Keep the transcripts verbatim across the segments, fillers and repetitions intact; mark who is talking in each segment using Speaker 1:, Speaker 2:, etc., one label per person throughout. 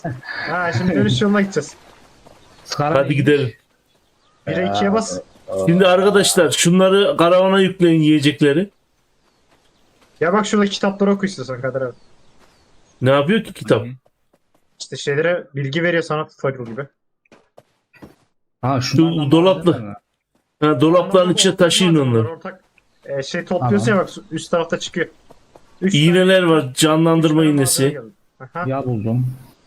Speaker 1: Ha şimdi dönüş yoluna gideceğiz.
Speaker 2: Hadi gidelim.
Speaker 1: bire ikiye bas.
Speaker 2: Şimdi arkadaşlar şunları karavana yükleyin yiyecekleri.
Speaker 1: Ya bak şurada kitapları oku istiyorsan Kadir abi.
Speaker 2: Ne yapıyor ki kitap?
Speaker 1: İşte şeylere bilgi veriyor sana tutorial gibi.
Speaker 3: Ha
Speaker 2: Şu
Speaker 3: şunlardan
Speaker 2: dolaplı.
Speaker 3: bahseder mi?
Speaker 2: Ha, dolapların
Speaker 1: Ama
Speaker 2: içine
Speaker 1: ortak
Speaker 2: taşıyın
Speaker 1: malzemeler,
Speaker 2: onları.
Speaker 1: Ortak e, şey topluyorsun ya bak üst tarafta çıkıyor. Üç
Speaker 2: İğneler
Speaker 1: tane-
Speaker 2: var, canlandırma
Speaker 1: üç tane
Speaker 2: iğnesi.
Speaker 1: malzeme geldi. Aha.
Speaker 3: Ya buldum.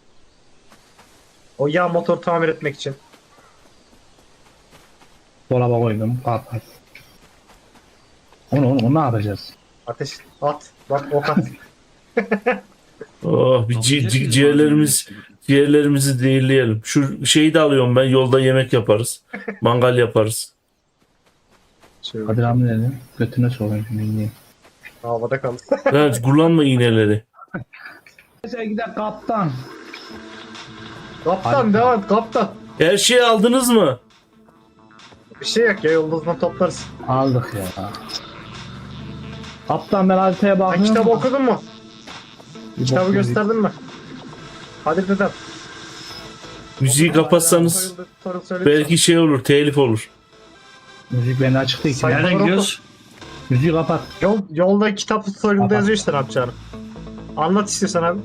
Speaker 1: O yağ motor tamir etmek için.
Speaker 3: Dolaba koydum. At at. Onu onu, onu ne yapacağız?
Speaker 1: Ateş at. Bak ok at.
Speaker 2: Oh, bir ci- ci- ciğerlerimiz, ciğerlerimizi zehirleyelim. Şu şeyi de alıyorum ben, yolda yemek yaparız. Mangal yaparız.
Speaker 1: Şöyle
Speaker 3: Kadir abi ne dedi? Götüne sorayım şimdi dinleyeyim.
Speaker 1: havada kaldı.
Speaker 2: Ha, kullanma iğneleri.
Speaker 3: Neyse gidelim kaptan.
Speaker 1: Kaptan
Speaker 3: Hadi.
Speaker 1: devam et kaptan.
Speaker 2: Her şeyi aldınız mı?
Speaker 1: Bir şey yok ya yıldızdan toplarız.
Speaker 3: Aldık ya. Kaptan ben haritaya
Speaker 1: Sen
Speaker 3: bakıyorum.
Speaker 1: kitabı okudun mu?
Speaker 3: Bir
Speaker 1: Kitabı
Speaker 3: bakayım.
Speaker 1: gösterdin mi? Hadi dedem.
Speaker 2: Müziği kapatsanız belki şey olur, telif olur.
Speaker 3: Müzik beni açık değil ki.
Speaker 1: Sayın-
Speaker 4: Nereden gidiyoruz?
Speaker 3: Müziği kapat.
Speaker 1: Yol, yolda kitap tutorial'da
Speaker 3: Kapat.
Speaker 1: yazıyor işte ne yapacağını. Anlat istiyorsan abi.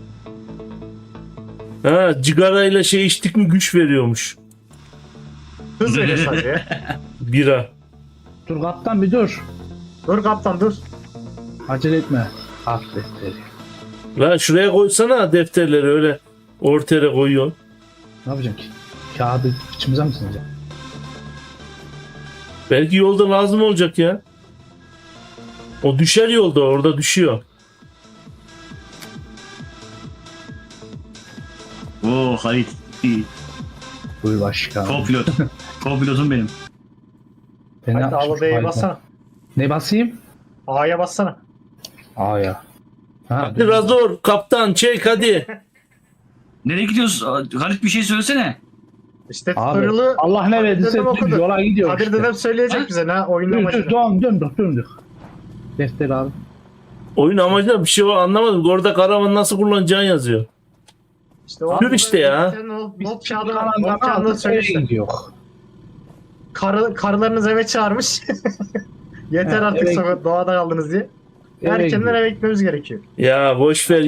Speaker 2: Ha, cigarayla şey içtik mi güç veriyormuş.
Speaker 1: Hız veriyor sadece ya.
Speaker 2: Bira.
Speaker 3: Dur kaptan bir dur.
Speaker 1: Dur kaptan dur.
Speaker 3: Acele etme. At defteri.
Speaker 2: La şuraya koysana defterleri, öyle ortaya koyuyor.
Speaker 3: Ne yapacaksın ki? Kağıdı içimize mi sinecek?
Speaker 2: Belki yolda lazım olacak ya. O düşer yolda, orada düşüyor.
Speaker 4: Oo Halit. iyi.
Speaker 3: Buyur başkan.
Speaker 4: Co-pilot. Co-pilotum benim.
Speaker 3: Ben ne
Speaker 1: Hadi
Speaker 3: yapmışım
Speaker 1: al
Speaker 3: şu
Speaker 1: B'ye
Speaker 3: harita?
Speaker 1: bassana.
Speaker 3: Ne basayım?
Speaker 1: A'ya bassana.
Speaker 3: Aa ya. Ha,
Speaker 2: Hadi Razor, kaptan çek hadi.
Speaker 4: Nereye gidiyoruz? Aa, Halit bir şey söylesene.
Speaker 1: İşte
Speaker 3: Abi
Speaker 1: tutorial'ı
Speaker 3: Allah ne verdiyse
Speaker 1: dedem okudu.
Speaker 3: yola gidiyor
Speaker 1: Kadir
Speaker 3: işte.
Speaker 1: dedem söyleyecek
Speaker 4: Ha?
Speaker 1: bize ne oyunun
Speaker 3: Dur dur
Speaker 1: amacını.
Speaker 3: dön döndük döndük. Defter abi.
Speaker 2: Oyun amacında bir şey var anlamadım. Orada karavanı nasıl kullanacağını yazıyor.
Speaker 1: İşte o
Speaker 2: Dur işte ya.
Speaker 1: Sen o
Speaker 3: Biz
Speaker 1: Not kağıdını
Speaker 3: kalandan
Speaker 1: not kağıdını
Speaker 3: aldık
Speaker 1: söyle
Speaker 3: eve
Speaker 1: işte.
Speaker 3: gidiyor.
Speaker 1: Karı, karılarınız eve çağırmış. Yeter
Speaker 3: Ha,
Speaker 1: artık
Speaker 3: eve-
Speaker 1: sokak doğada kaldınız diye.
Speaker 3: Eve
Speaker 1: Erkenden
Speaker 3: gidiyor.
Speaker 1: eve gitmemiz gerekiyor.
Speaker 2: Ya boş ver.